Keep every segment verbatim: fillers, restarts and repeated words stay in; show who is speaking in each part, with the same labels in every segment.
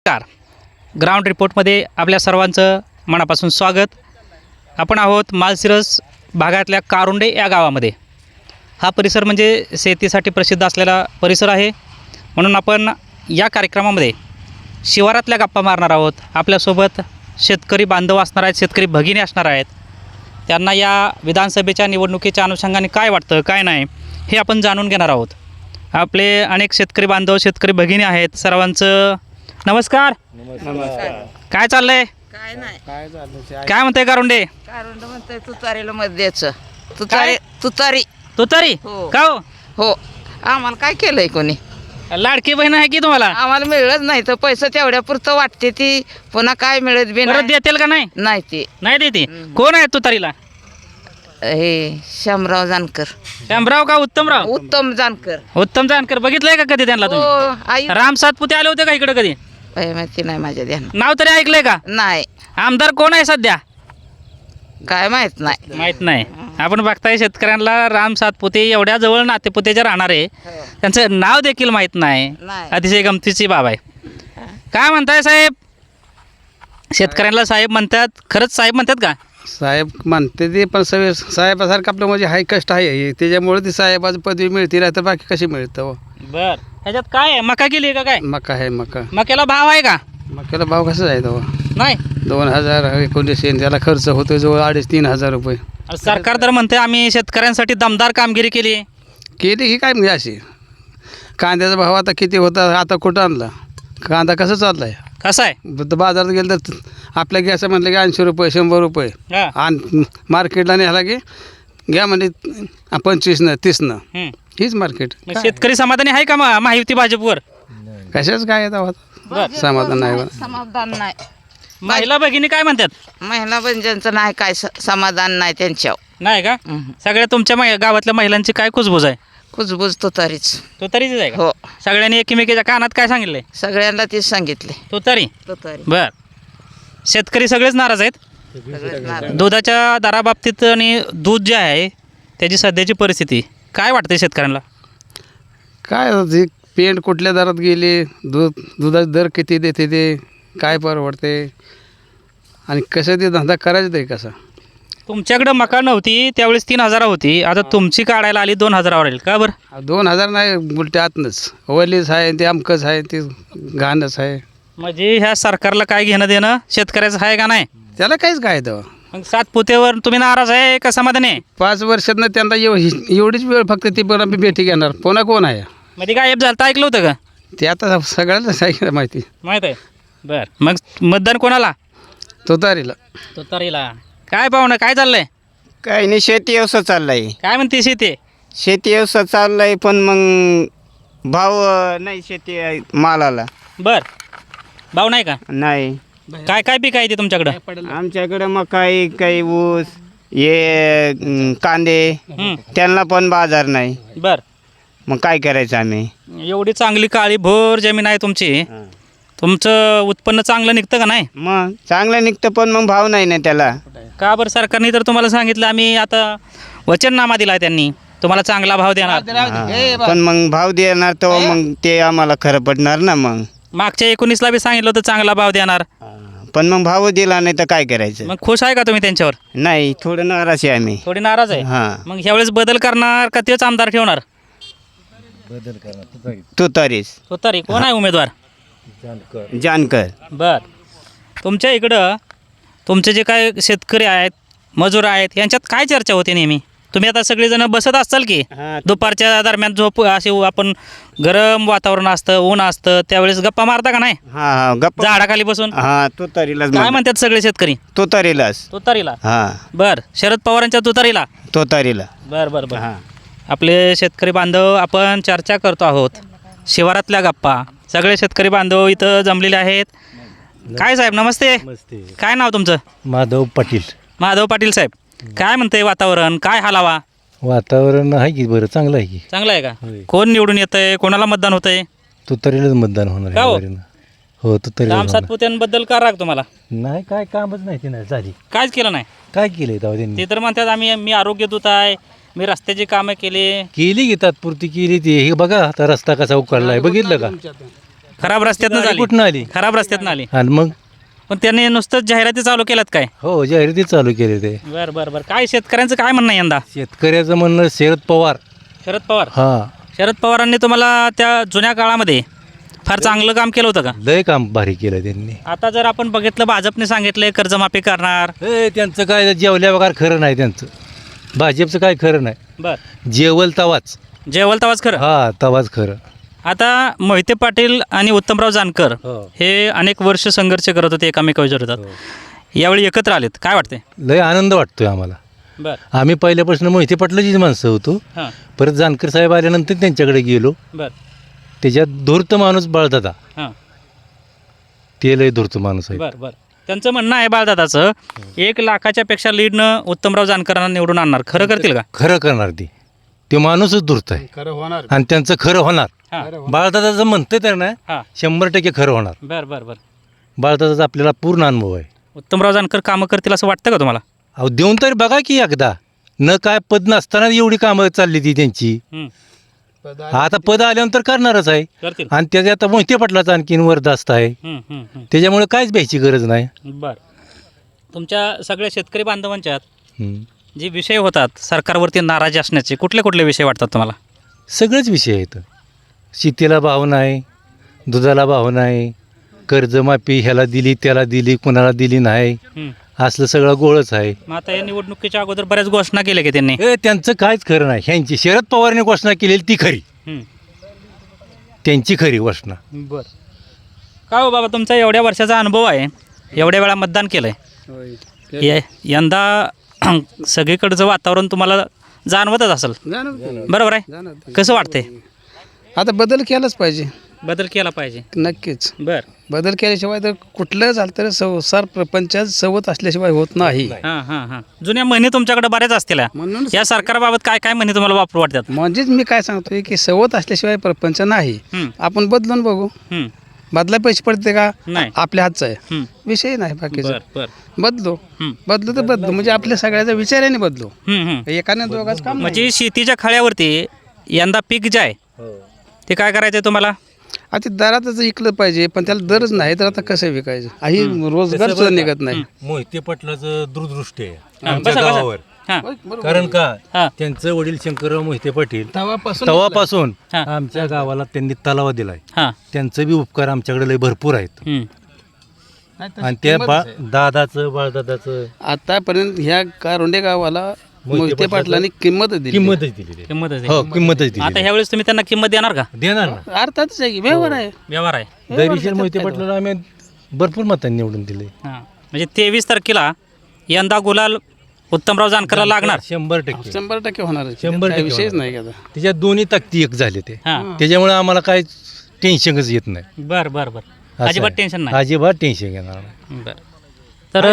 Speaker 1: नमस्कार. ग्राउंड रिपोर्टमध्ये आपल्या सर्वांचं मनापासून स्वागत. आपण आहोत माळशिरस भागातल्या कारुंडे या गावामध्ये. हा परिसर म्हणजे शेतीसाठी प्रसिद्ध असलेला परिसर आहे, म्हणून आपण या कार्यक्रमामध्ये शिवारातल्या गप्पा मारणार आहोत. आपल्यासोबत शेतकरी बांधव असणार आहेत, शेतकरी भगिनी असणार आहेत. त्यांना या विधानसभेच्या निवडणुकीच्या अनुषंगाने काय वाटतं काय नाही हे आपण जाणून घेणार आहोत. आपले अनेक शेतकरी बांधव शेतकरी भगिनी आहेत. सर्वांचं नमस्कार.
Speaker 2: नमस्कार.
Speaker 1: काय चाललंय?
Speaker 2: काय नाही
Speaker 3: काय झालं
Speaker 1: काय म्हणते कारुंडे?
Speaker 2: कारण म्हणतंय तुतारीला मत द्यायचं. तुतारी तुतारी
Speaker 1: तुतारी
Speaker 2: हो.
Speaker 1: का हो?
Speaker 2: हो. आम्हाला काय केलंय कोणी?
Speaker 1: लाडकी बहीण आहे की तुम्हाला?
Speaker 2: आम्हाला मिळत नाही तर पैसा तेवढ्या पुरतं वाटते ती, पुन्हा काय मिळत बी
Speaker 1: परत
Speaker 2: नाही.
Speaker 1: देतील का नाही?
Speaker 2: नाही ते
Speaker 1: नाही देते. कोण आहे तुतारीला?
Speaker 2: हे शामराव जानकर,
Speaker 1: श्यामराव का उत्तमराव?
Speaker 2: उत्तम जानकर.
Speaker 1: उत्तम जानकर बघितलंय का कधी त्यांना
Speaker 2: हो
Speaker 1: तुम्ही?
Speaker 2: आई
Speaker 1: राम सातपुते आले होते का इकडे कधी?
Speaker 2: बाई, माहिती नाही माझ्या ध्यानात.
Speaker 1: नाव तरी ऐकलंय का?
Speaker 2: नाही,
Speaker 1: आमदार कोण आहे सध्या?
Speaker 2: काय माहित नाही.
Speaker 1: माहित नाही. आपण बघताय शेतकऱ्यांना राम सातपुते एवढ्या जवळ नातेपुतेचे राहणारे, त्यांचं नाव देखील माहित नाही.
Speaker 2: नाही.
Speaker 1: अतिशय गमतीची बाब आहे. काय म्हणताय साहेब? शेतकऱ्यांना साहेब म्हणतात, खरंच साहेब म्हणतात का?
Speaker 3: साहेब म्हणते ते, पण सगळे साहेबासारखं आपलं म्हणजे हाय कष्ट आहे, त्याच्यामुळे ती साहेबाची पदवी मिळते, नाही तर बाकी कशी मिळतं हो?
Speaker 1: बर. ह्याच्यात काय आहे? मका केली का काय?
Speaker 3: मका आहे मका.
Speaker 1: मक्याला भाव आहे का?
Speaker 3: मक्याला भाव कसा आहे तो?
Speaker 1: नाही.
Speaker 3: दोन हजार एकोणीसशे त्याला खर्च होतो जवळ अडीच तीन हजार रुपये.
Speaker 1: सरकार तर म्हणते आम्ही शेतकऱ्यांसाठी दमदार कामगिरी केली.
Speaker 3: केली की काय म्हणजे अशी? कांद्याचा भाव आता किती होता, आता कुठं आणला? कांदा कसं चालला आहे?
Speaker 1: कसं आहे?
Speaker 3: तर बाजारात गेलं तर आपल्या गॅस म्हटलं की ऐंशी रुपये शंभर रुपये
Speaker 1: हा.
Speaker 3: आणि मार्केटला नेला की घ्या म्हणजे पंचवीसनं तीसनं.
Speaker 1: हम्म.
Speaker 3: हीच मार्केट.
Speaker 1: मग शेतकरी समाधानी आहे का मग महायुती भाजपवर?
Speaker 3: कशाच काय येतं
Speaker 1: बर.
Speaker 3: समाधान नाही बा.
Speaker 2: समाधान नाही.
Speaker 1: महिला भगिनी काय म्हणतात?
Speaker 2: महिला बंजांचं नाही काय स- समाधान नाही त्यांच्यावर.
Speaker 1: नाही का?
Speaker 2: हम्म.
Speaker 1: सगळ्या तुमच्या मै- गावातल्या महिलांची काय कुजबूज आहे?
Speaker 2: कुजबूज तुतारीच.
Speaker 1: तो तरीच आहे का?
Speaker 2: हो.
Speaker 1: सगळ्यांनी एकमेकीच्या कानात काय सांगितलंय?
Speaker 2: सगळ्यांना तेच सांगितले.
Speaker 1: तो तरी.
Speaker 2: तुतारी.
Speaker 1: बर. शेतकरी सगळेच नाराज आहेत
Speaker 2: सगळेच नाराज.
Speaker 1: दुधाच्या दराबाबतीत आणि दूध जे आहे त्याची सध्याची परिस्थिती काय वाटते शेतकऱ्यांना?
Speaker 3: काय होतं, पेंट कुठल्या दरात गेले, दूध दुधाचा दर किती देते ते, काय परवडते आणि कसं ते धंदा करायचं ते कसा?
Speaker 1: तुमच्याकडे मका नव्हती त्यावेळेस तीन हजार होती, आता तुमची काढायला आली दोन हजारावर येईल का बरं?
Speaker 3: दोन हजार नाही उलटे आतनंच वलीच आहे, ते अमकच आहे, ते घाणच आहे.
Speaker 1: म्हणजे ह्या सरकारला काय घेणं देणं शेतकऱ्याचं आहे का नाही?
Speaker 3: त्याला काहीच काय तेव्हा.
Speaker 1: मग सातपुतेवर तुम्ही नाराज आहे का समाधानी आहे?
Speaker 3: पाच वर्षातनं त्यांना एव एवढीच वेळ फक्त ती पण आम्ही भेटी घेणार, पुन्हा कोण आहे
Speaker 1: मध्ये गायब झालं तर ऐकलं होतं का?
Speaker 3: ते आता सगळ्यालाच आहे माहिती.
Speaker 1: माहीत आहे. बरं. मग मतदान कोणाला?
Speaker 3: तुतारीला.
Speaker 1: तुतारीला. काय पाहुणं काय चाललंय?
Speaker 4: काही नाही, शेती व्यवसाय चाललाय.
Speaker 1: काय म्हणते शेती?
Speaker 4: शेती व्यवसाय चाललाय, पण मग भाव अं, नाही शेती अं, मालाला
Speaker 1: बर. भाव नाही का?
Speaker 4: नाही.
Speaker 1: काय काय पीक आहे ते तुमच्याकडं?
Speaker 4: आमच्याकडं मकाई काही ऊस हे अं, कांदे,
Speaker 1: हं.
Speaker 4: त्यांना पण बाजार नाही.
Speaker 1: बर.
Speaker 4: मग काय करायचं आम्ही?
Speaker 1: एवढी चांगली काळी भोर जमीन आहे तुमची, तुमचं उत्पन्न चांगलं निघतं का नाही?
Speaker 4: मग चांगलं निघतं, पण मग भाव नाही ना त्याला.
Speaker 1: का बरं? सरकारने तर तुम्हाला सांगितलं आम्ही आता वचननामा दिला आहे त्यांनी तुम्हाला चांगला भाव देणार.
Speaker 4: हा. पण मग भाव देणार तर मग ते आम्हाला खरं पडणार ना. मग
Speaker 1: मागच्या एकोणीसला बी सांगितलं होतं चांगला भाव देणार.
Speaker 4: पण मग भाव दिला नाही तर काय करायचं?
Speaker 1: मग खुश आहे का तुम्ही त्यांच्यावर?
Speaker 4: नाही, थोडं नाराज आहे आम्ही.
Speaker 1: थोडी नाराज आहे.
Speaker 4: हां.
Speaker 1: मग ह्यावेळेस बदल करणार का तेच आमदार ठेवणार?
Speaker 4: तुतारीच.
Speaker 1: तुतारी. कोण आहे उमेदवार?
Speaker 4: जानकर.
Speaker 1: बर. तुमच्या इकडं तुमचे जे काय शेतकरी आहेत मजूर आहेत यांच्यात काय चर्चा होते नेहमी? तुम्ही आता सगळेजण बसत असाल की
Speaker 4: हां.
Speaker 1: दुपारच्या दरम्यान झोप असे आपण गरम वातावरण असतं ऊन असतं त्यावेळेस गप्पा मारता का नाही
Speaker 4: हा हा गप्पा.
Speaker 1: झाडाखाली बसून?
Speaker 4: हा, तुतारीलाच
Speaker 1: काय
Speaker 4: म्हण-
Speaker 1: म्हणतात सगळे शेतकरी?
Speaker 4: तुतारीलाच.
Speaker 1: तुतारीला.
Speaker 4: हा,
Speaker 1: बर. शरद पवारांच्या तुतारीला.
Speaker 4: तुतारीला.
Speaker 1: बर बर बर.
Speaker 4: हा.
Speaker 1: आपले शेतकरी बांधव आपण चर्चा करतो आहोत शिवारातल्या गप्पा. सगळे शेतकरी बांधव इथं जमलेले आहेत. काय साहेब नमस्ते. काय नाव तुमचं?
Speaker 5: माधव पाटील.
Speaker 1: माधव पाटील साहेब. काय म्हणते वातावरण काय हालावा?
Speaker 5: वातावरण आहे की बरं, चांगलं आहे की.
Speaker 1: चांगलं आहे का?
Speaker 5: होय.
Speaker 1: कोण निवडून येतंय कोणाला मतदान होतंय?
Speaker 5: तुतारीलाच मतदान होणार
Speaker 1: का हो?
Speaker 5: आहे. हो, तुतारीला
Speaker 1: राम
Speaker 5: होणार.
Speaker 1: सातपुत्यांबद्दल का राग तुम्हाला?
Speaker 5: नाही, काय कामच नाही ते, नाही झाली.
Speaker 1: कायच केलं नाही.
Speaker 5: काय केलंय तेव्हा त्यांनी?
Speaker 1: ते तर म्हणतात आम्ही मी आरोग्य दूत आहे, मी रस्त्याची कामं केली.
Speaker 5: केली की तात्पुरती केली ती. हे बघा आता रस्ता कसा उकळलाय, बघितलं का?
Speaker 1: खराब रस्त्यातनं
Speaker 5: गाडी
Speaker 1: झाली
Speaker 5: कुठनं आली
Speaker 1: खराब रस्त्यातनं आली
Speaker 5: आणि मग
Speaker 1: पण त्यांनी नुसतंच जाहिराती चालू केल्यात काय
Speaker 5: हो जाहिराती चालू केले ते
Speaker 1: बरं बरं बरं काय शेतकऱ्यांचं काय म्हणणं आहे यंदा
Speaker 5: शेतकऱ्याचं म्हणणं शरद पवार
Speaker 1: शरद पवार
Speaker 5: हा
Speaker 1: शरद पवारांनी तुम्हाला त्या जुन्या काळामध्ये फार चांगलं काम केलं होतं का
Speaker 5: लय काम भारी केलं त्यांनी
Speaker 1: आता जर आपण बघितलं भाजपने सांगितलंय कर्जमाफी करणार
Speaker 5: ए त्यांचं काय जेवल्या वगैरे खरं नाही त्यांचं भाजपचं काय खरं नाही
Speaker 1: बर
Speaker 5: जेवल तवाच
Speaker 1: जेवल तवाच खरं
Speaker 5: हा तवाच खरं
Speaker 1: आता मोहिते पाटील आणि उत्तमराव जानकर
Speaker 5: हो.
Speaker 1: हे अनेक वर्ष संघर्ष करत होते एकामेका विरोधात यावेळी एकत्र आलेत काय वाटते
Speaker 5: लय आनंद वाटतोय आम्हाला
Speaker 1: बर
Speaker 5: आम्ही पहिल्यापासून मोहिते पाटलाचीच माणसं होतो
Speaker 1: हां
Speaker 5: परत जानकर साहेब आल्यानंतर त्यांच्याकडे गेलो
Speaker 1: बर
Speaker 5: त्याच्यात धूर्त माणूस बाळदादा
Speaker 1: हां
Speaker 5: ते लय धूर्त माणूस आहे
Speaker 1: बर बर त्यांचं म्हणणं आहे बाळदादाचं एक लाखाच्या पेक्षा लीडनं उत्तमराव जानकरांना निवडून आणणार खरं करतील का
Speaker 5: खरं करणार ती ते माणूसच धूर्त आहे
Speaker 3: खरं होणार
Speaker 5: आणि त्यांचं खरं होणार
Speaker 1: हां
Speaker 5: बाळदादाचं म्हणतंय तर ना
Speaker 1: हां
Speaker 5: शंभर टक्के खरं होणार
Speaker 1: बर बर बर
Speaker 5: बाळदादाचा आपल्याला पूर्ण अनुभव आहे
Speaker 1: उत्तमराव जानकर कामं करतील असं वाटतं का तुम्हाला
Speaker 5: अहो देऊन तरी बघा की एकदा न काय पद नसताना एवढी कामं चालली ती त्यांची
Speaker 1: हं,
Speaker 5: आता पद आल्यानंतर करणारच आहे
Speaker 1: करतील
Speaker 5: आणि त्याचे आता मोहिते पाटलाचा आणखीन वरदास्त आहे
Speaker 1: हं, हं, हं.
Speaker 5: त्याच्यामुळे काहीच भ्यायची गरज नाही
Speaker 1: बर तुमच्या सगळ्या शेतकरी बांधवांच्यात
Speaker 5: हम्म.
Speaker 1: जे विषय होतात सरकारवरती नाराजी असण्याचे कुठले कुठले विषय वाटतात तुम्हाला
Speaker 5: सगळेच विषय आहेत शेतीला भाव नाही दुधाला भाव नाही कर्जमाफी ह्याला दिली त्याला दिली कुणाला दिली नाही
Speaker 1: हं.
Speaker 5: असलं सगळं गोळच आहे
Speaker 1: मग आता या निवडणुकीच्या अगोदर बऱ्याच घोषणा केल्या की त्यांनी
Speaker 5: ए त्यांचं काहीच खरं नाही ह्यांची शरद पवारने घोषणा केलेली ती खरी
Speaker 1: हं.
Speaker 5: त्यांची खरी घोषणा
Speaker 1: बर का हो बाबा तुमचा एवढ्या वर्षाचा अनुभव आहे एवढ्या वेळा मतदान केलं आहे ये यंदा सगळीकडचं वातावरण तुम्हाला जाणवतच असेल
Speaker 3: जाणवतं.
Speaker 1: बरोबर आहे
Speaker 3: जाणवतं.
Speaker 1: कसं वाटतंय
Speaker 3: आता बदल केलाच पाहिजे
Speaker 1: बदल केला पाहिजे
Speaker 3: नक्कीच
Speaker 1: बर
Speaker 3: बदल केल्याशिवाय तर कुठलं झालं तर संसार प्रपंचात सवत असल्याशिवाय होत नाही
Speaker 1: हां हां हां जुन्या म्हणी तुमच्याकडे बऱ्याच असतील
Speaker 3: म्हणून
Speaker 1: या सरकारबाबत काय काय म्हणी तुम्हाला वापरू वाटतात
Speaker 3: म्हणजेच मी काय सांगतोय की सवत असल्याशिवाय प्रपंच नाही
Speaker 1: हं,
Speaker 3: आपण बदलून बघू
Speaker 1: हं,
Speaker 3: बदला पैसे पडते का
Speaker 1: नाही
Speaker 3: आपल्या हातचा आहे
Speaker 1: हं,
Speaker 3: विषय नाही बाकीचा
Speaker 1: बर बर
Speaker 3: बदलो
Speaker 1: हं,
Speaker 3: बदलू तर बदलू म्हणजे आपल्या सगळ्याचा विचाराने बदलू
Speaker 1: हं, हं.
Speaker 3: एकाने दोघाच काम नाही.
Speaker 1: म्हणजे शेतीच्या खळ्यावरती यंदा पीक जे आहे ते काय करायचं आहे तुम्हाला
Speaker 3: आता ते दरातच विकलं पाहिजे पण त्याला दरच नाही तर आता कसं विकायचं काही रोजगार सुद्धा निघत नाही
Speaker 5: मोहिते पाटलाचं दूरदृष्टी आहे
Speaker 1: हां,
Speaker 5: आमच्या
Speaker 1: बसा, बसा.
Speaker 5: गावावर
Speaker 1: हां
Speaker 5: कारण का
Speaker 1: हां
Speaker 5: त्यांचं वडील शंकरराव मोहिते पाटील
Speaker 3: तेव्हापासून
Speaker 5: तवापासून
Speaker 1: हां.
Speaker 5: आमच्या गावाला त्यांनी तलावा दिलाय
Speaker 1: हां
Speaker 5: त्यांचं बी उपकार आमच्याकडे लय भरपूर आहेत
Speaker 1: हं,
Speaker 5: आणि त्या बा दादाचं बाळदादाचं
Speaker 3: आतापर्यंत ह्या कारोंडे गावाला मोहिते पाटलांनी किंमत दिली
Speaker 5: किंमतच दिली
Speaker 1: किंमत आहे.
Speaker 5: हो किंमतच
Speaker 1: आता
Speaker 5: दिली
Speaker 1: ह्यावेळेस तुम्ही त्यांना किंमत देणार का
Speaker 5: देणार ना
Speaker 3: अर्थातच आहे की व्यवहार आहे
Speaker 1: व्यवहार आहे
Speaker 5: दैरीशील मोहिते पाटलाला आम्ही भरपूर मतांनी निवडून दिले
Speaker 1: हां म्हणजे तेवीस तारखेला यंदा गुलाल उत्तमराव जानकरला लागणार
Speaker 5: शंभर टक्के
Speaker 3: शंभर टक्के होणार आहे.
Speaker 5: शंभर
Speaker 3: काही
Speaker 5: टक्के
Speaker 3: विषयच
Speaker 5: होणार.
Speaker 3: नाही का आता.
Speaker 5: त्याच्यात दोन्ही ताकदी एक झाले ते
Speaker 1: हां
Speaker 5: त्याच्यामुळे आम्हाला काय टेन्शनच येत नाही
Speaker 1: बर बर बर
Speaker 5: असं
Speaker 1: अजिबात
Speaker 5: आहे.
Speaker 1: टेन्शन नाही
Speaker 5: अजिबात टेन्शन घेणार नाही
Speaker 1: बर तर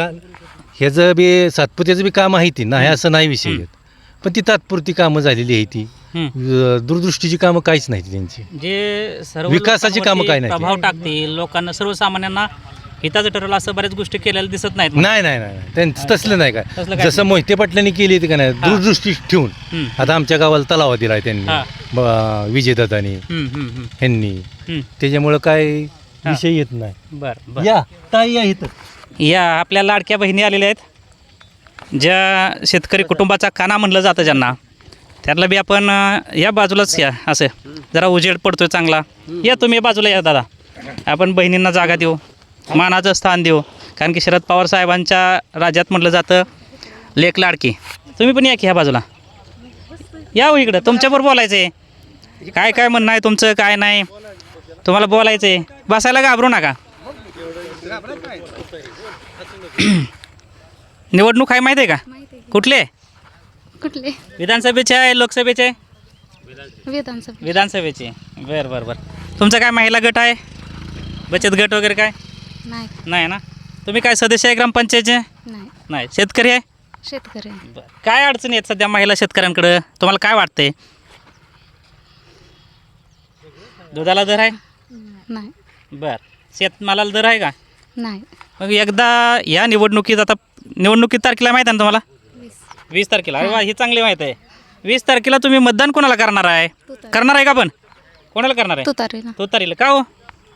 Speaker 5: ह्याचं बी सातपुत्याचं बी काम आहे ती नाही असं नाही विषय येत पण ती तात्पुरती कामं झालेली आहे ती
Speaker 1: हं,
Speaker 5: अं, दूरदृष्टीची कामं काहीच नाही त्यांची
Speaker 1: जे सर्व
Speaker 5: विकासाची कामं
Speaker 1: लोकांवरती
Speaker 5: काय नाही.
Speaker 1: प्रभाव टाकतील लोकांना सर्वसामान्यांना हिताचं ठरवलं असं बऱ्याच गोष्टी केलेल्या दिसत नाहीत
Speaker 5: नाही नाही नाही नाही. त्यांचं तसलं नाही
Speaker 1: तसलं
Speaker 5: काय
Speaker 1: काय
Speaker 5: जसं मोहिते पाटलांनी केली ती का नाही दूरदृष्टी ठेवून
Speaker 1: हं,
Speaker 5: आता आमच्या गावाला तलावा दिलाय त्यांनी
Speaker 1: हा.
Speaker 5: ब- विजयदादांनी
Speaker 1: हं, हं, हं,
Speaker 5: ह्यांनी
Speaker 1: हं.
Speaker 5: त्याच्यामुळं काय विषय येत नाही
Speaker 1: बर बर
Speaker 5: या ताई या इथं
Speaker 1: या आपल्या लाडक्या बहिणी आलेल्या आहेत ज्या शेतकरी कुटुंबाचा काना म्हणलं जातं ज्यांना त्यातला बी आपण अं, या बाजूलाच या असं जरा उजेड पडतोय चांगला या तुम्ही या बाजूला या दादा आपण बहिणींना जागा देऊ मानाचं स्थान देऊ कारण की शरद पवार साहेबांच्या राज्यात म्हटलं जातं लेक लाडकी तुम्ही पण या की ह्या बाजूला या हो इकडं तुमच्याबरोबर बोलायचं आहे काय काय म्हणणं आहे तुमचं काय नाही तुम्हाला बोलायचं आहे बसायला घाबरू नका निवडणूक आहे माहिती आहे का कुठले
Speaker 6: कुठले
Speaker 1: विधानसभेचे आहे लोकसभेचे
Speaker 6: विधानसभा
Speaker 1: विधानसभेचे बरं बरं बरं तुमचा काय महिला गट आहे बचत गट वगैरे काय
Speaker 6: नाही
Speaker 1: नाही ना तुम्ही काय सदस्य आहे ग्रामपंचायतचे
Speaker 6: नाही
Speaker 1: नाही शेतकरी आहे
Speaker 6: शेतकरी
Speaker 1: बरं काय अडचणी आहेत सध्या महिला शेतकऱ्यांकडं तुम्हाला काय वाटतंय दुधाला दर आहे
Speaker 6: नाही
Speaker 1: बरं शेतमालाला दर आहे का
Speaker 6: नाही
Speaker 1: मग एकदा या निवडणुकीत आता निवडणुकीत तारखेला माहीत आहे ना तुम्हाला वीस तारखेला अरे वा ही चांगली माहीत आहे वीस तारखेला तुम्ही मतदान कोणाला करणार आहे करणार आहे का पण कोणाला करणार आहे
Speaker 6: तुतारी ना
Speaker 1: तुतारीला का हो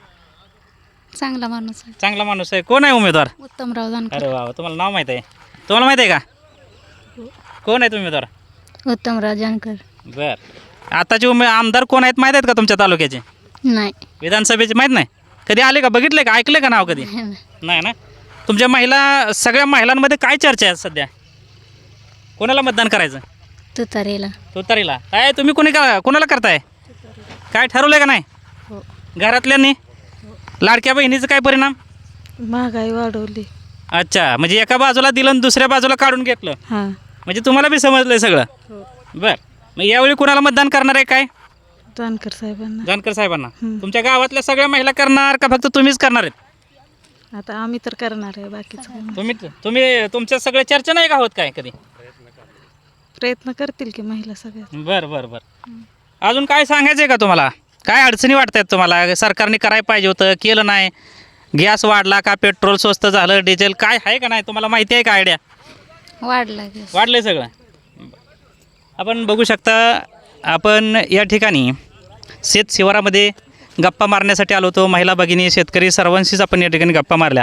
Speaker 6: चांगला माणूस आहे.
Speaker 1: चांगला माणूस आहे. कोण आहे उमेदवार?
Speaker 6: उत्तमराव जानकर.
Speaker 1: अरे वा, तुम्हाला नाव माहीत आहे? तुम्हाला माहीत आहे का कोण आहेत उमेदवार?
Speaker 6: उत्तमराव जानकर.
Speaker 1: बर, आताचे उमे आमदार कोण आहेत माहीत आहेत का तुमच्या तालुक्याचे?
Speaker 6: नाही.
Speaker 1: विधानसभेचे माहीत नाही? कधी आले का, बघितले का, ऐकले का नाव कधी? नाही ना. तुमच्या महिला, सगळ्या महिलांमध्ये काय चर्चा आहे सध्या? कोणाला मतदान करायचं?
Speaker 6: तुतारीला.
Speaker 1: तुतारीला. काय तुम्ही कोणी का कोणाला करताय? काय ठरवलं का नाही
Speaker 6: हो.
Speaker 1: घरातल्यांनी? लाडक्या बहिणीचं काय परिणाम?
Speaker 7: महागाई वाढवली.
Speaker 1: अच्छा, म्हणजे एका बाजूला दिलं आणि दुसऱ्या बाजूला काढून घेतलं.
Speaker 7: हां.
Speaker 1: म्हणजे तुम्हाला बी समजलं सगळं. बर, मग यावेळी कुणाला मतदान करणार आहे काय?
Speaker 7: जानकर साहेबांना.
Speaker 1: जानकर साहेबांना.
Speaker 7: हं.
Speaker 1: तुमच्या गावातल्या सगळ्या महिला करणार का फक्त तुम्हीच करणार आहेत?
Speaker 7: आता आम्ही तर करणार आहे, बाकीचं काही नाही.
Speaker 1: तुम्ही तुम्ही तुमच्या सगळ्या चर्चा नाही का होत काय कधी?
Speaker 7: प्रयत्न करतील की महिला सगळ्या.
Speaker 1: बरं बरं बरं. अजून काय सांगायचं आहे का तुम्हाला? काय अडचणी वाटत आहेत तुम्हाला? सरकारने करायला पाहिजे होतं, केलं नाही. गॅस वाढला का, पेट्रोल स्वस्त झालं, डिझेल काय आहे का नाही, तुम्हाला माहिती आहे का आयडिया?
Speaker 6: वाढला गॅस.
Speaker 1: वाढलं सगळं. आपण बघू शकता, आपण या ठिकाणी शेत शिवारामध्ये गप्पा मारण्यासाठी आलो होतो. महिला भगिनी, शेतकरी सर्वांशीच आपण या ठिकाणी गप्पा मारल्या.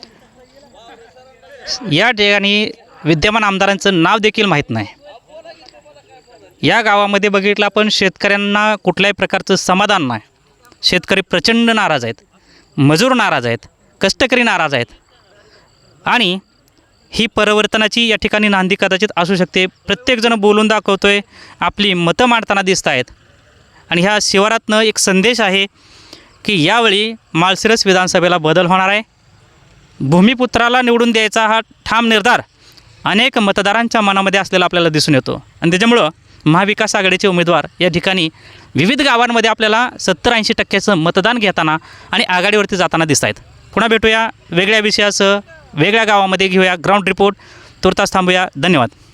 Speaker 1: या ठिकाणी विद्यमान आमदारांचं नाव देखील माहीत नाही. या गावामध्ये बघितलं आपण, शेतकऱ्यांना कुठल्याही प्रकारचं समाधान नाही. शेतकरी प्रचंड नाराज आहेत, मजूर नाराज आहेत, कष्टकरी नाराज आहेत. आणि ही परिवर्तनाची या ठिकाणी नांदी कदाचित असू शकते. प्रत्येकजण बोलून दाखवतोय, आपली मतं मांडताना दिसत आहेत. आणि ह्या शिवारातनं एक संदेश आहे की यावेळी माळशिरस विधानसभेला बदल होणार आहे. भूमिपुत्राला निवडून द्यायचा हा ठाम निर्धार अनेक मतदारांच्या मनामध्ये असलेला आपल्याला दिसून येतो. आणि त्याच्यामुळं महाविकास आघाडीचे उमेदवार या ठिकाणी विविध गावांमध्ये आपल्याला सत्तर ऐंशी टक्क्याचं मतदान घेताना आणि आघाडीवरती जाताना दिसत आहेत. पुन्हा भेटूया वेगळ्या विषयासह, वेगळ्या गावामध्ये घेऊया ग्राउंड रिपोर्ट. तुर्तास थांबूया. धन्यवाद.